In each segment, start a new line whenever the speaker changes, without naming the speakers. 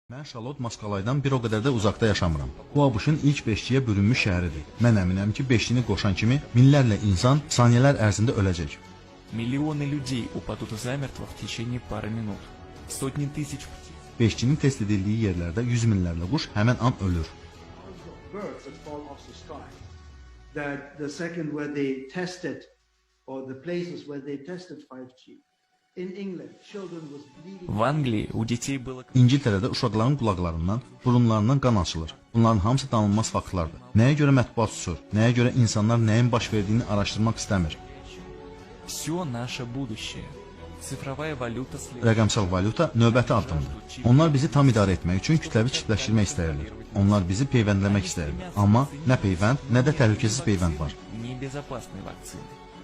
Mən Şalot Moskalaydan bir o qədər də uzaqda yaşamıram. Bu ABŞ-ın ilk beşliyə bölünmüş şəhəridir. Mən əminəm ki, beşlini qoşan kimi minlərlə insan saniyələr ərzində öləcək.
Миллионы людей упадут замертво в течение пары минут. Сотни тысяч птиц.
Beşlinin test edildiyi yerlərdə yüz minlərlə quş həmən an ölür.
Birds that fall off the sky. That the second where they tested, or the places where they tested 5G. In England, children was bleeding.
В Англии у детей было...
İngiltərədə uşaqların qulaqlarından, burunlarından qan açılır. Bunların hamısı danılmaz faktlardır. Nəyə görə mətbuat susur? Nəyə görə insanlar nəyin baş verdiyini araşdırmaq istəmir?
Все наше будущее. Цифровая валюта следует...
Rəqəmsal valyuta növbəti addımdır. Onlar bizi tam idarə etmək üçün kütləvi çipləşdirmək istəyirlər. Onlar bizi peyvəndləmək istəyirlər. Amma nə peyvənd, nə də təhlükəsiz peyvənd var.
Небезопасной вакцины.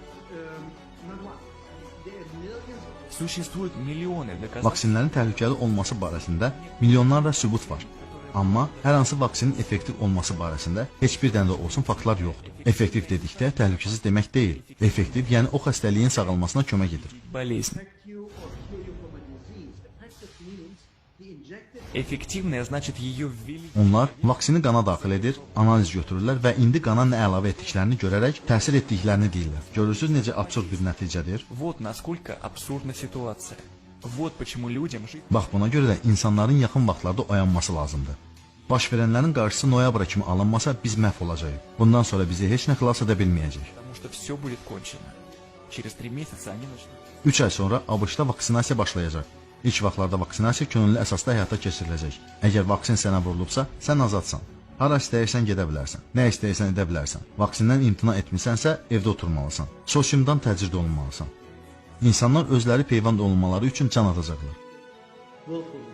Not one. There are millions of
Существуют миллионы доказательств.
Vaksinlərin təhlükəli olması barəsində milyonlarla sübut var. Amma hər hansı vaksinin effektiv olması barəsində heç bir dənə də olsun faktlar yoxdur. Effektiv dedikdə təhlükəsiz demək deyil. Effektiv, yəni o xəstəliyin sağalmasına kömək edir.
Болезнь.
protect you or cure you from a disease. Effective means the injected
Эффективная значит ее ввели.
Onlar vaksini qana daxil edir, analiz götürürlər və indi qana nə əlavə etdiklərini görərək təsir etdiklərini deyirlər. Görürsüz necə absurd bir nəticədir?
Вот насколько абсурдна ситуация. Вот почему людям жить...
Bax buna görə də insanların yaxın vaxtlarda oyanması lazımdır. Baş verənlərin qarşısı noyabra kimi alınmasa biz məhv olacağıq. Bundan sonra bizi heç nə xilas edə bilməyəcək.
Потому что все будет konчено. Через 3 месяца они начнут.
3 ay sonra ABŞ-da vaksinasiya başlayacaq. İlk vaxtlarda vaksinasiya könüllü əsasda həyata keçiriləcək. Əgər vaksin sənə vurulubsa, sən azadsan. Hara istəyirsən gedə bilərsən. Nə istəyirsən edə bilərsən. Vaksindən imtina etmisənsə, evdə oturmalısan. Sosiumdan təcrid olunmalısan. İnsanlar özləri peyvənd olunmaları üçün can atacaqlar.
willfully.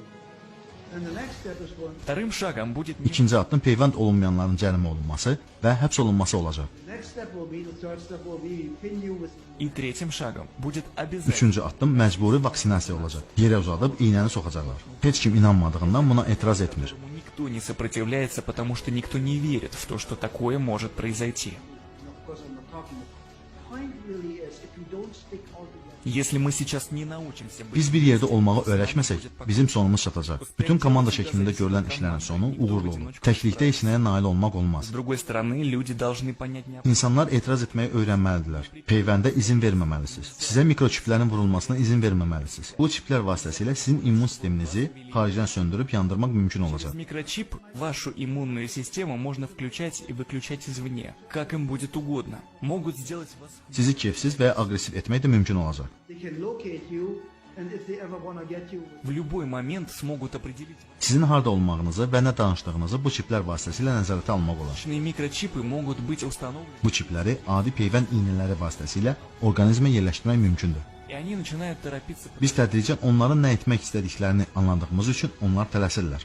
And the next step is going.
Вторым шагом будет...
İkinci addım peyvənd olunmayanların cərimə olunması və həbs olunması olacaq.
The next step will be, the third step will be, we pin you with
И третьим шагом будет обязательно...
Üçüncü addım məcburi vaksinasiya olacaq. Yerə uzadıb iynəni soxacaqlar. Heç kim inanmadığından buna etiraz etmir.
Этому никто не сопротивляется, потому что никто не верит в то, что такое может произойти.
of course I'm not talking. The point really is if you don't stick all together.
Если мы сейчас не научимся быть...
Biz bir yerdə olmağı öyrəşməsək, bizim sonumuz çatacaq. Bütün komanda şəklində görülən işlərin sonu uğurlu olur. Təklikdə heç nəyə nail olmaq olmaz.
С другой стороны, люди должны понять необходимость.
İnsanlar etiraz etməyi öyrənməlidirlər. Peyvəndə izin verməməlisiniz. Sizə mikroçiplərin vurulmasına izin verməməlisiniz. Bu çiplər vasitəsilə sizin immun sisteminizi xaricdən söndürüb yandırmaq mümkün olacaq.
Через микрочип вашу иммунную систему можно включать и выключать извне, как им будет угодно. Могут сделать вас...
Sizi keyfsiz və ya aqressiv etmək də mümkün olacaq.
They can locate you, and if they ever want to get you,
В любой момент смогут определить.
Sizin harda olmağınızı və nə danışdığınızı bu çiplər vasitəsilə nəzarətə almaq olar.
Личные микрочипы могут быть установлены,
Bu çipləri adi peyvənd iynələri vasitəsilə orqanizmə yerləşdirmək mümkündür.
и они начинают торопиться.
Biz tədricən onların nə etmək istədiklərini anladığımız üçün onlar tələsirlər.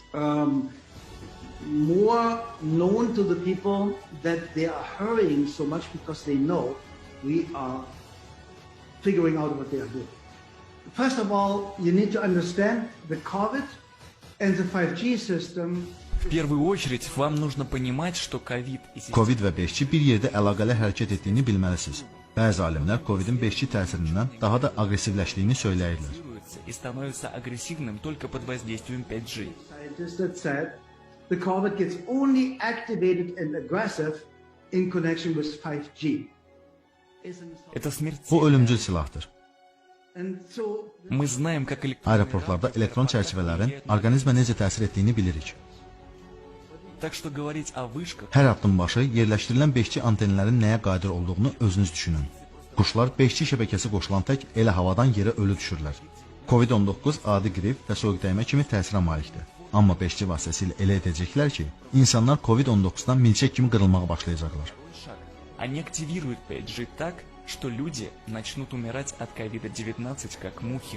more known to the people that they are hurrying so much because they know we are figuring out what they are doing. First of all, you need to understand the COVID and the 5G system.
В первую очередь вам нужно понимать, что ковид и система
Covid və 5G bir yerdə əlaqəli hərəkət etdiyini bilməlisiniz. Bəzi alimlər Covidin 5G təsirindən daha da aqressivləşdiyini söyləyirlər.
и становится агрессивным только под воздействием 5G.
Scientists that said the COVID gets only activated and aggressive in connection with 5G.
Это
Bu
смертельно.
ölümcül silahdır.
And so
Мы знаем, как
Aeroportlarda elektron çərçivələrin orqanizmə necə təsir etdiyini bilirik.
Так что говорить о вышках
Hər addım başı yerləşdirilən 5G antenlərin nəyə qadir olduğunu özünüz düşünün. Quşlar 5G şəbəkəsi qoşulan tək elə havadan yerə ölü düşürlər. Covid-19 adi qrip və soyuqdəymə kimi təsirə malikdir. Amma 5G vasitəsilə elə edəcəklər ki, insanlar Covid-19-dan milçək kimi qırılmağa başlayacaqlar.
шаг. Они активируют 5G так, что люди начнут умирать от COVID-19 как мухи.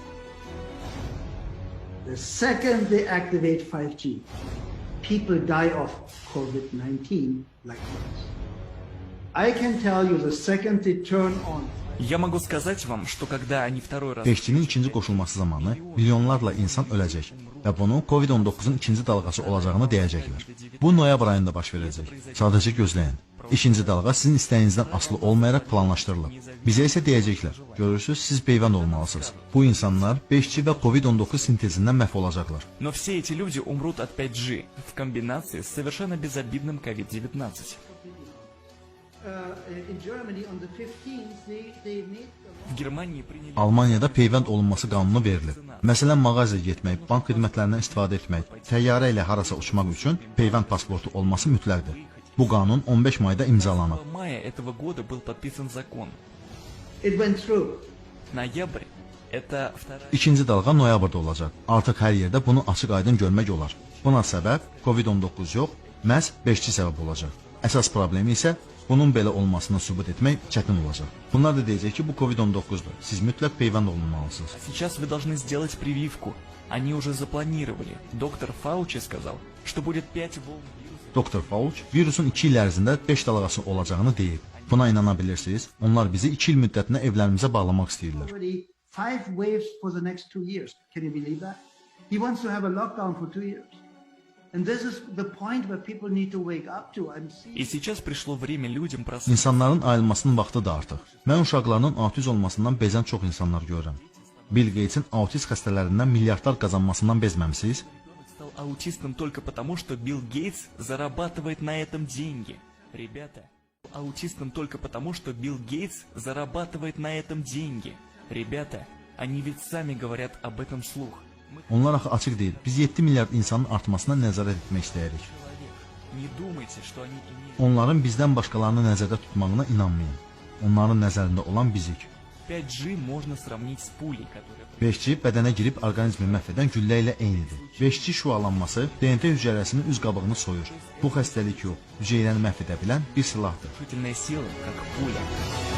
the second they activate 5G, people die of COVID-19 like this. I can tell you the second they turn on
Я могу сказать вам, что когда они второй раз
5G-nin ikinci qoşulması zamanı milyonlarla insan öləcək və bunu Covid-19-un ikinci dalğası olacağını deyəcəklər. Bu noyabr ayında baş verəcək. Sadəcə gözləyin. İkinci dalğa sizin istəyinizdən asılı olmayaraq planlaşdırılıb. Bizə isə deyəcəklər, görürsüz, siz peyvənd olmalısınız. Bu insanlar 5G və COVID-19 sintezindən məhv olacaqlar.
Но все эти люди умрут от 5G в комбинации с совершенно безобидным COVID-19.
In Germany on the 15th, they made
В Германии приняли...
Almaniyada peyvənd olunması qanunu verilib. Məsələn, mağazaya getmək, bank xidmətlərindən istifadə etmək, təyyarə ilə harasa uçmaq üçün peyvənd pasportu olması mütləqdir. Bu qanun 15 mayda imzalanıb.
В мае этого года был подписан закон.
It went through.
Ноябрь – это вторая...
İkinci dalğa noyabrda olacaq. Artıq hər yerdə bunu açıq-aydın görmək olar. Buna səbəb COVID-19 yox, məhz 5G səbəb olacaq. Əsas problemi isə bunun belə olmasını sübut etmək çətin olacaq. Bunlar da deyəcək ki, bu COVID-19'dur. Siz mütləq peyvənd olunmalısınız.
Сейчас вы должны сделать прививку. Они уже запланировали. Доктор Фаучи сказал, что будет 5 волн вируса.
Doktor Fauci virusun 2 il ərzində 5 dalğası olacağını deyib. Buna inana bilirsiniz? Onlar bizi 2 il müddətinə evlərimizə bağlamaq istəyirlər.
Already 5 waves for the next 2 years. Can you believe that? He wants to have a lockdown for 2 years. And this is the point where people need to wake up to and see.
И сейчас пришло время людям проснуться.
İnsanların ayılmasının vaxtı da artıq. Mən uşaqlarının autiz olmasından bezən çox insanlar görürəm. Bill Gates'in autiz xəstələrindən milyardlar qazanmasından bezməmisiniz?
Стал аутистом только потому, что Билл Гейтс зарабатывает на этом деньги. Ребята, аутистом только потому, что Билл Гейтс зарабатывает на этом деньги. Rебята, они ведь сами говорят об этом вслух.
Onlar axı açıq deyil. Biz 7 milyard insanın artmasına nəzarət etmək istəyirik.
Не думайте, что они имеют...
Onların bizdən başqalarını nəzərdə tutmağına inanmayın. Onların nəzərində olan bizik.
5G можно сравнить с пулей, которая...
5G bədənə girib orqanizmi məhv edən güllə ilə eynidir. 5G şüalanması DNT hücrəsinin üz qabığını soyur. Bu xəstəlik yox, hüceyrəni məhv edə bilən bir silahdır.
Решительная сила, как пуля.